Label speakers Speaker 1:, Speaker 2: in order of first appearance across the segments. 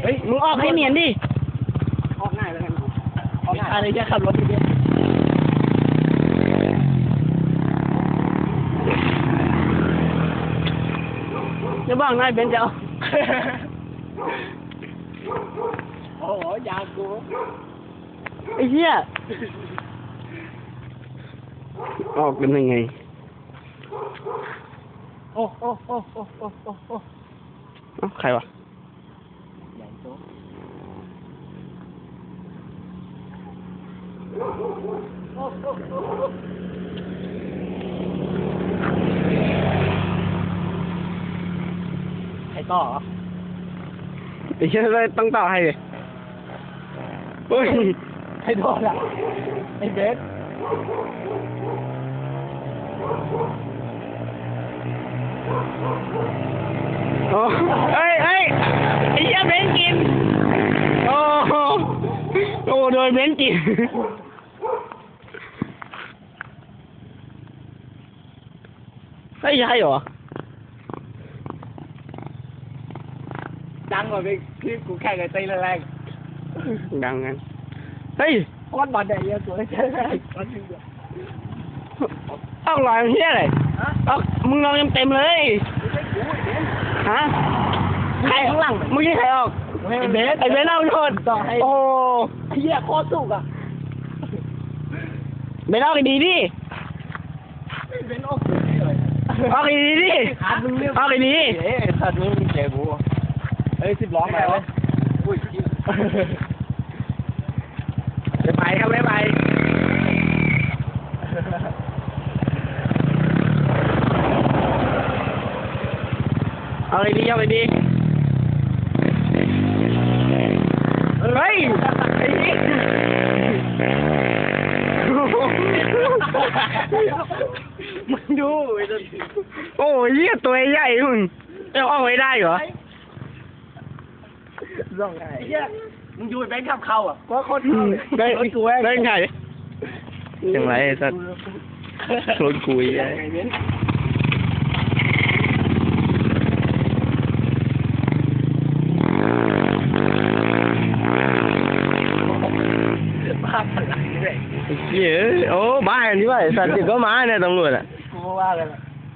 Speaker 1: ฮ้ยมึงออกให้เนียนดิ
Speaker 2: ออกง่ายเลยกัน
Speaker 1: ออกง่ายอะไรแค่ขับรถเดียวจะบ้างนายเบนจะเอา
Speaker 2: โอ้โหยากู
Speaker 1: ไอ้เหี้ยออกเป็นยังไง
Speaker 2: โอ้โอ้โอ้โอ้โอ้โอ้โอ้
Speaker 1: ใครวะ
Speaker 2: ใหญ่โตใครต่อ
Speaker 1: ไอ้เหี้ยต้องต่อให้เลยโอ้ย
Speaker 2: ใครต่อละไอ้เบส
Speaker 1: โอ้เฮ้ยไอ้เหี้ยเบนกินโอ้โดนเบนกินเฮ้ยใช่เหรอ
Speaker 2: ดังกว่าไปคลิปกูแข่งกับตีแรง
Speaker 1: ดังงั้นเฮ้ย
Speaker 2: ก้อนบอลใหญ่เยอะสวยใช่ไหมก้อนจริงเหรอ
Speaker 1: ออกลอยเฮียอะไรออกมึงลองเต็มเลยฮะใครข้างหลังมึงยี่ใครออกไอ้เบสเอาโดน
Speaker 2: ต่อให้
Speaker 1: โอ้
Speaker 2: เฮียโคตรสุกอ่ะ
Speaker 1: เบสออกดีดิ
Speaker 2: เบสออกเลย
Speaker 1: ออกดีดิออกดี
Speaker 2: สัตว์มึงเจ๋กูเฮ้ย10 ล้อมาเลยอุ้ย
Speaker 1: ไปครับไปเอาเลยดีเฮ้ยมึงดูโอ้ยยี่ตัวใหญ่มึงจะออกไว้ได้เหรอ
Speaker 2: ร้องไงมึงดูแบงค์ขับเข้าอ่ะก็โคตร
Speaker 1: ได้กูแบงค์ไงยังไงสัตว์รถกุยไง
Speaker 2: บ้าพลังเลย
Speaker 1: เยอะโอ้บ้าอันนี้ว่าสัตว์ก็มาเนี่ยตำรวจอ่ะ
Speaker 2: กูว่าเลย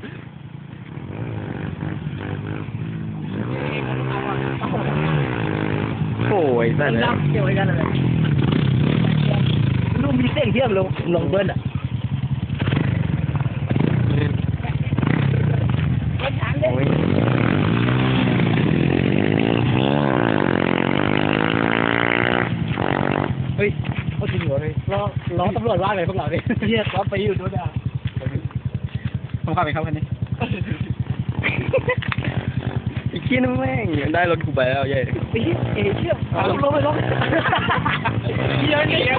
Speaker 1: โอ้ยสัตว์เลย
Speaker 2: เกี่ยวกันอะไรลูกมีเส้นเทียมลงเบิ้ลอ่ะเฮ้ยเขาจริงเหรอเลยล้อตำรวจว่าไงพวกเราเนี่ยเฮียล้อไปอยู่ด้วยอ่ะ
Speaker 1: ผมขับไปครับคันนี้อีกขี้นึงแม่งได้รถกูไปแล้วใหญ่
Speaker 2: เชี่ยลงเยอะเนี่ย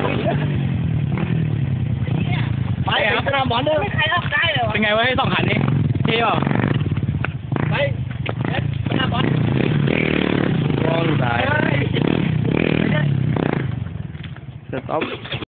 Speaker 2: ไปสนามบอลเลยไม่ใครรับได้เลยวะ
Speaker 1: เป็นไงวะให้2 คันนี้เท่ป่ะ
Speaker 2: ไปสนามบอล
Speaker 1: รอดูได้สต็อป